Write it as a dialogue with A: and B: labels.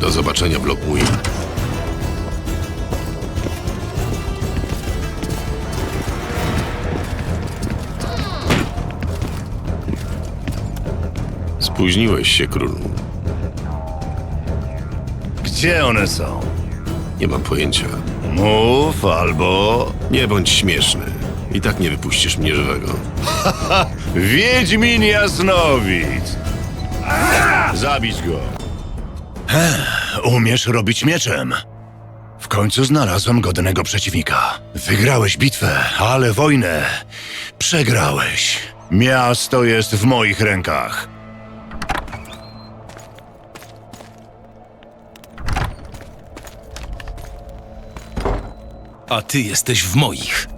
A: Do zobaczenia w Lockmuir. Spóźniłeś się, królu.
B: Gdzie one są?
A: Nie mam pojęcia.
B: Mów albo...
A: Nie bądź śmieszny. I tak nie wypuścisz mnie żywego.
B: Wiedźmin Jasnowic! Zabić go! Umiesz robić mieczem. W końcu znalazłem godnego przeciwnika. Wygrałeś bitwę, ale wojnę przegrałeś. Miasto jest w moich rękach.
C: A ty jesteś w moich.